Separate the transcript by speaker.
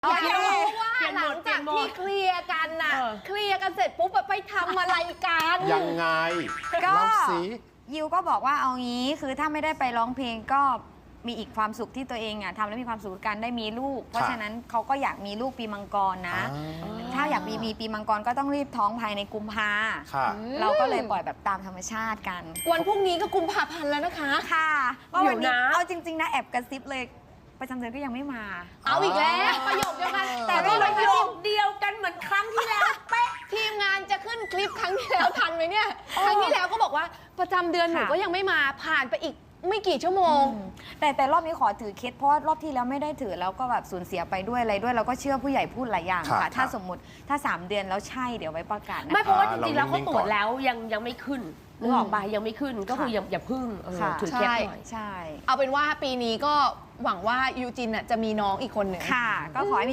Speaker 1: อยากรู้ว่าหลังจากที่เคลียร์กันน่ะเคลียร์กันเสร็จปุ๊บไปทำอะไรกัน
Speaker 2: ยังไง
Speaker 3: ก็
Speaker 2: เล่าสิ
Speaker 3: ยิวก็บอกว่าเอางี้คือถ้าไม่ได้ไปร้องเพลงก็มีอีกความสุขที่ตัวเองทำแล้วมีความสุขกันได้มีลูก เพราะฉะนั้นเขาก็อยากมีลูกปีมังกรนะ ถ้าอยากมีปีมังกรก็ต้องรีบท้องภายในกุมภา
Speaker 2: ค่ะ
Speaker 3: เราก็เลยปล่อยแบบตามธรรมชาติกัน
Speaker 1: วันพรุ่งนี้ก็กุมภาพันธ์แล้วนะคะ
Speaker 3: ค่ะว่าวันนี้
Speaker 4: เดี๋ยวนะ
Speaker 3: เอาจริงๆนะแอบกระซิบเลยประจำเดือนก็ยังไม่มา
Speaker 1: เอาอีกแล้วประโยคเดียวกัน
Speaker 3: แต่
Speaker 1: แต่
Speaker 3: ไม่
Speaker 1: ไม่
Speaker 3: รู้
Speaker 1: ประโยค
Speaker 4: เดียวกันเหมือนครั้งที่แล้วเป๊ะ
Speaker 1: ทีมงานจะขึ้นคลิปครั้งที่แล้วทันไหมเนี่ยครั้งที่แล้วก็บอกว่าประจำเดือนหนูก็ยังไม่มาผ่านไปอีกไม่กี่ชั่วโมง
Speaker 3: แต่รอบนี้ขอถือเคสเพราะว่ารอบที่แล้วไม่ได้ถือแล้วก็แบบสูญเสียไปด้วยอะไรด้วยเราก็เชื่อผู้ใหญ่พูดหลายอย่าง
Speaker 2: ค่ะ
Speaker 3: ค่ะ ถ้า
Speaker 2: ค่ะ
Speaker 3: สมมติถ้า 3 เดือนแล้วใช่เดี๋ยวไว้ประกาศนะ
Speaker 4: ไม่เพราะว่าจริงๆแล้ว
Speaker 2: เรา
Speaker 4: เขา
Speaker 2: นิ่งๆ
Speaker 4: ตรวจ
Speaker 2: ก่อน
Speaker 4: แล้วยังไม่ขึ้นนึกออกปะยังไม่ขึ้นก็คืออย่าพึ่ง
Speaker 3: ค่ะ
Speaker 4: ถือเคล็ดหน่อย
Speaker 3: ใช่
Speaker 1: เอาเป็นว่าปีนี้ก็หวังว่ายูจินน่ะจะมีน้องอีกคนหนึ่ง
Speaker 3: ค่ะ ก็ขอให้